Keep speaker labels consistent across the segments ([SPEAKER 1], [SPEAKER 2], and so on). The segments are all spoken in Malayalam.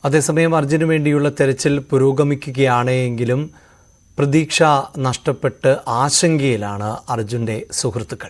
[SPEAKER 1] അതേസമയം അർജുന് വേണ്ടിയുള്ള തെരച്ചിൽ പുരോഗമിക്കുകയാണ് എങ്കിലും പ്രതീക്ഷ നഷ്ടപ്പെട്ട് ആശങ്കയിലാണ് അർജുന്റെ സുഹൃത്തുക്കൾ.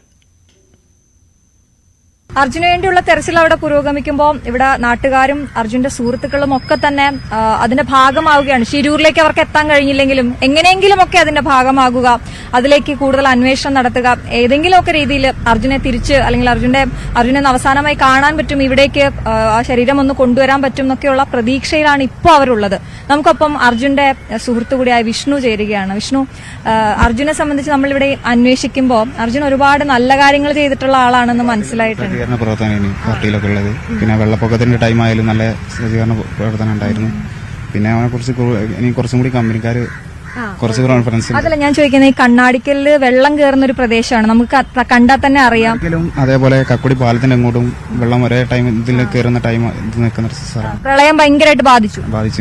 [SPEAKER 2] അർജുന് വേണ്ടിയുള്ള തെരച്ചിൽ അവിടെ പുരോഗമിക്കുമ്പോൾ ഇവിടെ നാട്ടുകാരും അർജുന്റെ സുഹൃത്തുക്കളും ഒക്കെ തന്നെ അതിന്റെ ഭാഗമാവുകയാണ്. ശിരൂരിലേക്ക് അവർക്ക് എത്താൻ കഴിഞ്ഞില്ലെങ്കിലും എങ്ങനെയെങ്കിലും ഒക്കെ അതിന്റെ ഭാഗമാകുക, അതിലേക്ക് കൂടുതൽ അന്വേഷണം നടത്തുക, ഏതെങ്കിലുമൊക്കെ രീതിയിൽ അർജുനെ തിരിച്ച് അല്ലെങ്കിൽ അർജുനെ അവസാനമായി കാണാൻ പറ്റും, ഇവിടേക്ക് ആ ശരീരം ഒന്ന് കൊണ്ടുവരാൻ പറ്റും എന്നൊക്കെയുള്ള പ്രതീക്ഷയിലാണ് ഇപ്പോൾ അവരുള്ളത്. നമുക്കൊപ്പം അർജുന്റെ സുഹൃത്തു കൂടിയായ വിഷ്ണു ചേരുകയാണ്. വിഷ്ണു, അർജുനെ സംബന്ധിച്ച് നമ്മളിവിടെ അന്വേഷിക്കുമ്പോൾ അർജുൻ ഒരുപാട് നല്ല കാര്യങ്ങൾ ചെയ്തിട്ടുള്ള ആളാണെന്ന് മനസ്സിലായിട്ടുണ്ട്.
[SPEAKER 3] പ്രവർത്തനമാണ് പാർട്ടിയിലൊക്കെ ഉള്ളത്. പിന്നെ വെള്ളപ്പൊക്കത്തിന്റെ ടൈം ആയാലും നല്ല സജ്ജീകരണ പ്രവർത്തനം ഉണ്ടായിരുന്നു. പിന്നെ അവനെ കുറിച്ച് ഇനി കുറച്ചും കൂടി കമ്പനിക്കാർ കുറച്ച് കോൺഫറൻസ്.
[SPEAKER 2] അതല്ല ഞാൻ ചോദിക്കുന്നത്, ഈ കണ്ണാടിക്കലില് വെള്ളം കയറുന്ന ഒരു പ്രദേശമാണ്, നമുക്ക് കണ്ടാൽ തന്നെ അറിയാം.
[SPEAKER 3] അതേപോലെ കക്കുടി പാലത്തിന്റെ അങ്ങോട്ടും വെള്ളം ഒരേ ടൈം ഇതിൽ കയറുന്ന ടൈം ഇത് നിൽക്കുന്ന സ്ഥലമാണ്.
[SPEAKER 2] പ്രളയം ഭയങ്കരമായിട്ട് ബാധിച്ചു.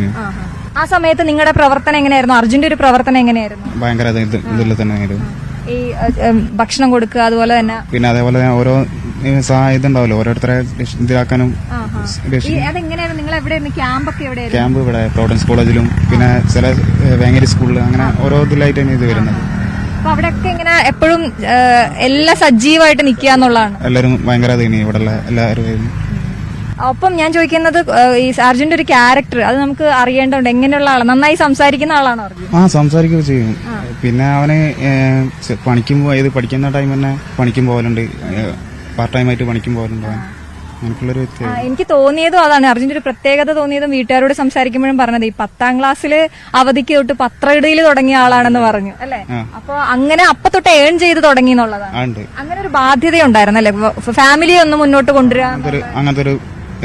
[SPEAKER 2] ആ സമയത്ത് നിങ്ങളുടെ പ്രവർത്തനം എങ്ങനെയായിരുന്നു? അർജുന്റെ ഒരു പ്രവർത്തനം എങ്ങനെയായിരുന്നു?
[SPEAKER 3] ഭയങ്കര ഇതിൽ തന്നെ
[SPEAKER 2] ഈ ഭക്ഷണം കൊടുക്കുക, അതുപോലെ തന്നെ
[SPEAKER 3] പിന്നെ അതേപോലെ ഓരോ ഇതുണ്ടാവല്ലോ ഓരോരുത്തരെ ഇതിലാക്കാനും.
[SPEAKER 2] അതെങ്ങനെയായിരുന്നു? നിങ്ങൾ എവിടെയായിരുന്നു ക്യാമ്പൊക്കെ? എവിടെയായിരുന്നു
[SPEAKER 3] ക്യാമ്പ്? ഇവിടെ പ്രോവിഡൻസ് കോളേജിലും പിന്നെ ചില വേങ്ങേരി സ്കൂളിൽ അങ്ങനെ ഓരോ ഇതിലായിട്ടാണ് ഇത് വരുന്നത്.
[SPEAKER 2] അപ്പൊ അവിടെയൊക്കെ ഇങ്ങനെ എപ്പോഴും എല്ലാം സജീവമായിട്ട് നിൽക്കുക എന്നുള്ളതാണ്.
[SPEAKER 3] എല്ലാവരും ഭയങ്കര ഇവിടെ എല്ലാവരും.
[SPEAKER 2] ഒപ്പം ഞാൻ ചോദിക്കുന്നത്, ഈ അർജുന്റെ ഒരു ക്യാരക്ടർ അത് നമുക്ക് അറിയേണ്ടതുണ്ട്. എങ്ങനെയുള്ള ആളാണ്? നന്നായി സംസാരിക്കുന്ന ആളാണോ അർജുൻ?
[SPEAKER 3] സംസാരിക്കുകയൊക്കെ ചെയ്യും. പിന്നെ അവന് പണിക്കും പഠിക്കുന്ന ടൈം തന്നെ പണിക്കും പോകലുണ്ട്, പാർട്ട് ടൈം ആയിട്ട് പണിക്കും പോകലുണ്ട്. അങ്ങനെയുള്ളൊരു
[SPEAKER 2] എനിക്ക് തോന്നിയതും അതാണ്, അർജുന്റെ ഒരു പ്രത്യേകത തോന്നിയതും വീട്ടുകാരോട് സംസാരിക്കുമ്പോഴും പറഞ്ഞത്, ഈ 10ാം ക്ലാസ്സില് അവധിക്ക് തൊട്ട് പത്രയിടയിൽ തുടങ്ങിയ ആളാണെന്ന് പറഞ്ഞു അല്ലെ? അപ്പൊ അങ്ങനെ അപ്പൊ തൊട്ട് ഏൺ ചെയ്ത് തുടങ്ങി എന്നുള്ളതാണ്. അങ്ങനെ ഒരു ബാധ്യത ഉണ്ടായിരുന്നു അല്ലെ, ഫാമിലി ഒന്ന് മുന്നോട്ട് കൊണ്ടുവരാൻ?
[SPEAKER 3] അങ്ങനത്തെ ഒരു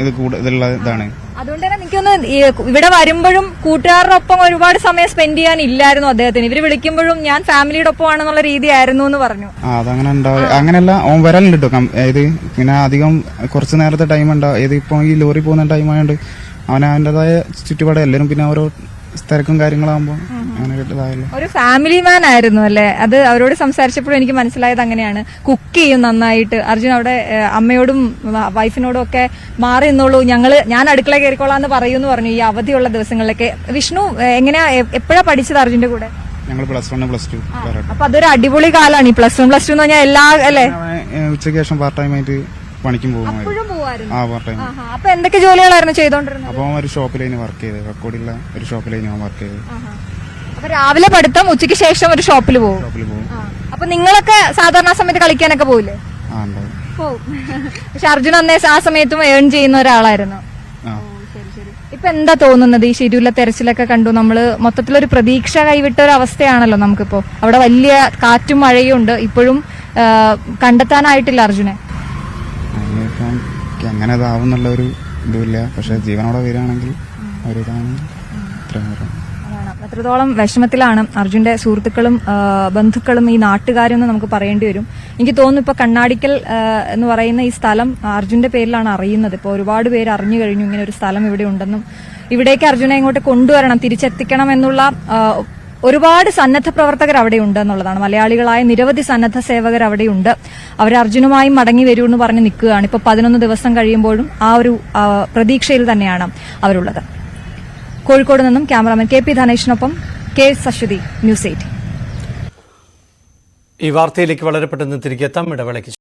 [SPEAKER 3] ഇതാണ്.
[SPEAKER 2] അതുകൊണ്ട് തന്നെ എനിക്കൊന്ന് ഇവിടെ വരുമ്പോഴും കൂട്ടുകാരുടെ ഒപ്പം ഒരുപാട് സമയം സ്പെൻഡ് ചെയ്യാൻ ഇല്ലായിരുന്നു അദ്ദേഹത്തിന്. ഇവര് വിളിക്കുമ്പോഴും ഞാൻ ഫാമിലിയുടെ ഒപ്പം ആണെന്നുള്ള രീതി ആയിരുന്നു എന്ന് പറഞ്ഞു.
[SPEAKER 3] അതങ്ങനെ ഉണ്ടാവും. അങ്ങനെയല്ല, ഓൻ വരലുണ്ട് കേട്ടോ. ഏത് പിന്നെ അധികം കുറച്ച് നേരത്തെ ടൈം ഉണ്ടാവും. ഏത് ഇപ്പൊ ഈ ലോറി പോകുന്ന ടൈം ആയതുകൊണ്ട് അവൻ അവന്റേതായ ചുറ്റുപാട് എല്ലാവരും പിന്നെ ഓരോ തിരക്കും കാര്യങ്ങളാകുമ്പോൾ അങ്ങനെ കിട്ടതായല്ലോ.
[SPEAKER 2] ഒരു ഫാമിലി മാൻ ആയിരുന്നു അല്ലെ? അത് അവരോട് സംസാരിച്ചപ്പോഴും എനിക്ക് മനസ്സിലായത് അങ്ങനെയാണ്. കുക്ക് ചെയ്യും നന്നായിട്ട് അർജുൻ. അവിടെ അമ്മയോടും വൈഫിനോടും ഒക്കെ മാറി നിന്നോളൂ, ഞാൻ അടുക്കള കയറിക്കോളാന്ന് പറയൂന്ന് പറഞ്ഞു ഈ അവധിയുള്ള ദിവസങ്ങളിലൊക്കെ. വിഷ്ണു, എങ്ങനെയാ എപ്പോഴാ പഠിച്ചത് അർജുന്റെ കൂടെ?
[SPEAKER 3] ഞങ്ങൾ +1 +2.
[SPEAKER 2] അപ്പൊ അതൊരു അടിപൊളി കാലാണ് ഈ +1 +2 എന്ന് പറഞ്ഞാൽ. എല്ലാ അല്ലെ
[SPEAKER 3] ഉച്ചയ്ക്ക് ശേഷം പാർട്ട് ടൈം ആയിട്ട് പണിക്കും പോകും.
[SPEAKER 2] അപ്പൊ എന്തൊക്കെ ജോലികളായിരുന്നു ചെയ്തോണ്ടിരുന്നത്?
[SPEAKER 3] അപ്പൊ ഒരു ഷോപ്പിലേന് വർക്ക് ചെയ്ത്, കക്കോടിയുള്ള ഒരു ഷോപ്പിലേന് ഞാൻ വർക്ക് ചെയ്ത്.
[SPEAKER 2] അപ്പൊ രാവിലെ പഠിത്തം, ഉച്ചയ്ക്ക് ശേഷം ഒരു ഷോപ്പിൽ പോകും. അപ്പൊ നിങ്ങളൊക്കെ സാധാരണ സമയത്ത് കളിക്കാനൊക്കെ പോവില്ലേ? പോവും. പക്ഷെ അർജുൻ അന്നേ ആ സമയത്തും ഏൺ ചെയ്യുന്ന ഒരാളായിരുന്നു. ഇപ്പൊ എന്താ തോന്നുന്നത്? ഈ ശരിയുള്ള തെരച്ചിലൊക്കെ കണ്ടു നമ്മള്, മൊത്തത്തിലൊരു പ്രതീക്ഷ കൈവിട്ട ഒരു അവസ്ഥയാണല്ലോ നമുക്കിപ്പോ. അവിടെ വലിയ കാറ്റും മഴയും ഉണ്ട്, ഇപ്പോഴും കണ്ടെത്താനായിട്ടില്ല അർജുനെ.
[SPEAKER 3] അങ്ങനെ ഇതാവും എന്നുള്ള ഒരു ഇതുമില്ല. പക്ഷെ ജീവനോടെ വരികയാണെങ്കിൽ ഒരിതാണ്.
[SPEAKER 2] എത്രത്തോളം വിഷമത്തിലാണ് അർജുന്റെ സുഹൃത്തുക്കളും ബന്ധുക്കളും ഈ നാട്ടുകാരും എന്ന് നമുക്ക് പറയേണ്ടി വരും. എനിക്ക് തോന്നുന്നു ഇപ്പൊ കണ്ണാടിക്കൽ എന്ന് പറയുന്ന ഈ സ്ഥലം അർജുന്റെ പേരിലാണ് അറിയുന്നത്. ഇപ്പൊ ഒരുപാട് പേര് അറിഞ്ഞു കഴിഞ്ഞു ഇങ്ങനെ ഒരു സ്ഥലം ഇവിടെ ഉണ്ടെന്നും ഇവിടേക്ക് അർജുനെ ഇങ്ങോട്ട് കൊണ്ടുവരണം, തിരിച്ചെത്തിക്കണം എന്നുള്ള ഒരുപാട് സന്നദ്ധ പ്രവർത്തകർ അവിടെയുണ്ട് എന്നുള്ളതാണ്. മലയാളികളായ നിരവധി സന്നദ്ധ സേവകർ അവിടെയുണ്ട്. അവർ അർജുനുമായി മടങ്ങി വരൂ എന്ന് പറഞ്ഞ് നിൽക്കുകയാണ്. ഇപ്പൊ 11 ദിവസം കഴിയുമ്പോഴും ആ ഒരു പ്രതീക്ഷയിൽ തന്നെയാണ് അവരുള്ളത്. കോഴിക്കോട് നിന്നും ക്യാമറാമാൻ KP ധനേഷിനൊപ്പം K സശ്വതി, News 8.
[SPEAKER 1] ഈ വാർത്തയിലേക്ക് വളരെ പെട്ടെന്ന് തിരികെ എത്താം. ഇടവേളയ്ക്ക്